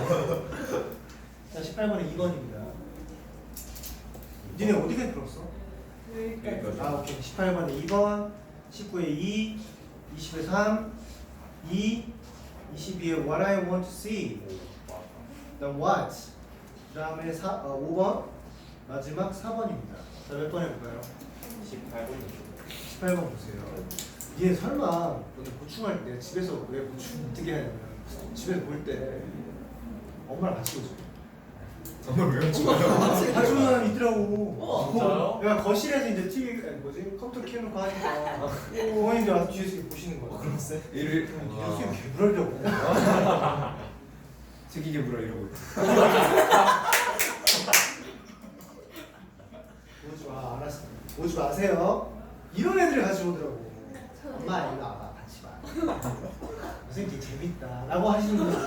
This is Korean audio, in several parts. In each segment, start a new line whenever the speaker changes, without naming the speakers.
자, 18번에 2번입니다. 니네 어디까지 풀었어?
여기까지.
아, 오케이. 18번에 2번, 19에 2, 20에 3, 2, 22에 what I want to see. 그다음 what. 그다음에 5번, 마지막 4번입니다. 자, 몇 번 해볼까요? 18번 보세요. 얘 설마 너네 보충할 때 집에서 왜 보충 어떻게 하냐면 집에서 볼 때 엄마랑 같이 보죠.
정말 왜 찍어요?
봐주는 사람 있더라고.
진짜요?
내가 거실에서 이제 TV 컴퓨터 켜놓고 하니까 부모님들 와서 뒤에서 이렇게 보시는 거야.
그랬어요? 이를
뒤에서 이렇게 개불하려고.
책이게 물어 이러고.
오지 마, 알았어. 오지 마세요. 이런 애들이 같이 오더라고. 엄마 이거 와봐, 같이 봐. 선생님 되게 재밌다. 라고 하시는 분.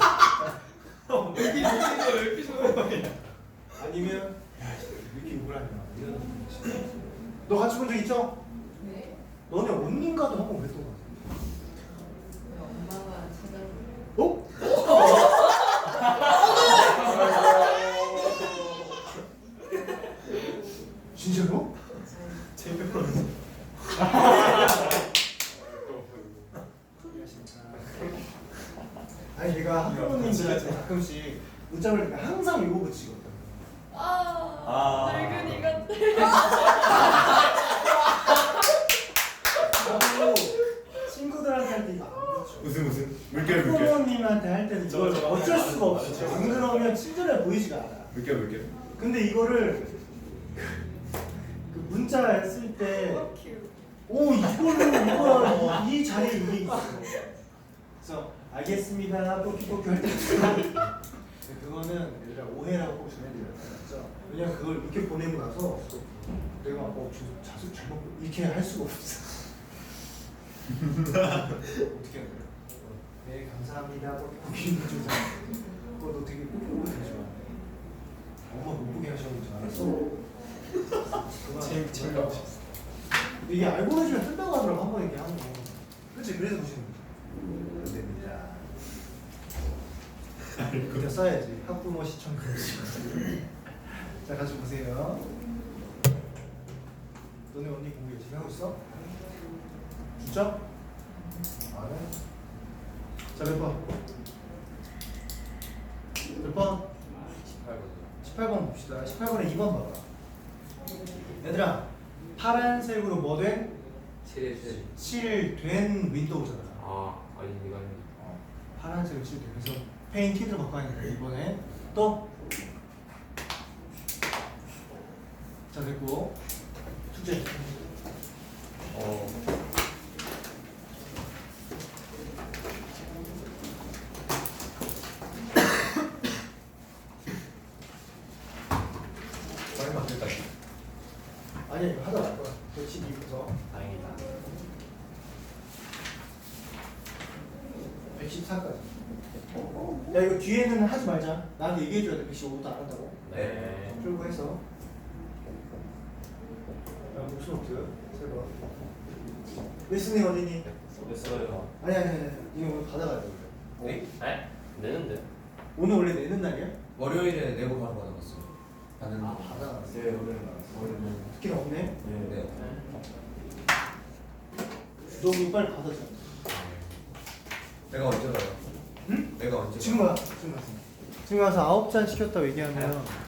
아니면 야, 왜 이렇게 욕을 하냐 이런 분. 너 같이 본 적 있죠?
네.
너네 언니인가도 한 번 그랬던 거 같아.
엄마가 찾아보고.
어? 진짜로?
재밌어.
아니 얘가 학부모님들한테 가끔씩 문자 보낼 때 항상 이거 붙이거든.
늙은이 같아.
나도 친구들한테 할 때 이거 안 붙여.
무슨 물결
학부모님한테 할 때는 이걸 어쩔 수가 없어. 안 그러면 친절해 보이지가 않아.
물결.
근데 이거를 그 문자 쓸 때 오 이걸로 이 자리에 이게 있어. 그래서 알겠습니다. 뽀끼뽀끼 할 때. 그거는 얘들아 오해라고 전해드려요. 맞죠? 왜냐면 그걸 이렇게 보내고 나서 내가 자수 잘못 이렇게 할 수가 없어. 어떻게 해야 돼요? 네 감사합니다. 뽀끼뽀끼 해주자. 너 되게 뽀끼뽀끼 되지 마. 엄마 못 보게 하셨는 줄 알았어.
재미없어.
이게 알고 해주면 뜬다고 하더라고 한 번 이렇게 하는 거. 그치? 그래서 보시는 거죠. 안 됩니다. 그냥 써야지. 학부모 시청 금지. 자, 같이 보세요. 너네 언니 공부 열심히 하고 있어? 진짜? 안 해? 자, 몇 번? 몇 번? 18번 봅시다. 18번에 2번 봐봐. 얘들아, 파란색으로 뭐 된? 칠된 윈도우잖아.
아니 이건
파란색으로 칠된. 그래서 페인티드로 바꿔야 되니까 이번에 또. 자, 됐고 숙제.
얼마 안 됐다.
아니 이거 하다 말 거야. 112부터
다행이다.
114까지. 야 이거 뒤에는 하지 말자. 나한테 얘기해줘야 돼. 115부터 안 한다고.
네.
풀고 해서. 야 무슨 없어요? 세 번. 리스닝 어디니?
됐어요.
아니. 이거 오늘 받아가야 돼.
네?
네? 내는데?
오늘 원래 내는 날이야?
월요일에 내고 바로 받아봤어요. 받는 거.
받아가.
네 오늘 나왔어요.
특히 없네.
네.
너 이거 빨리 받아줘.
내가 언제 가요?
응?
내가 언제?
지금 가. 지금 가서 9잔 시켰다고 얘기하면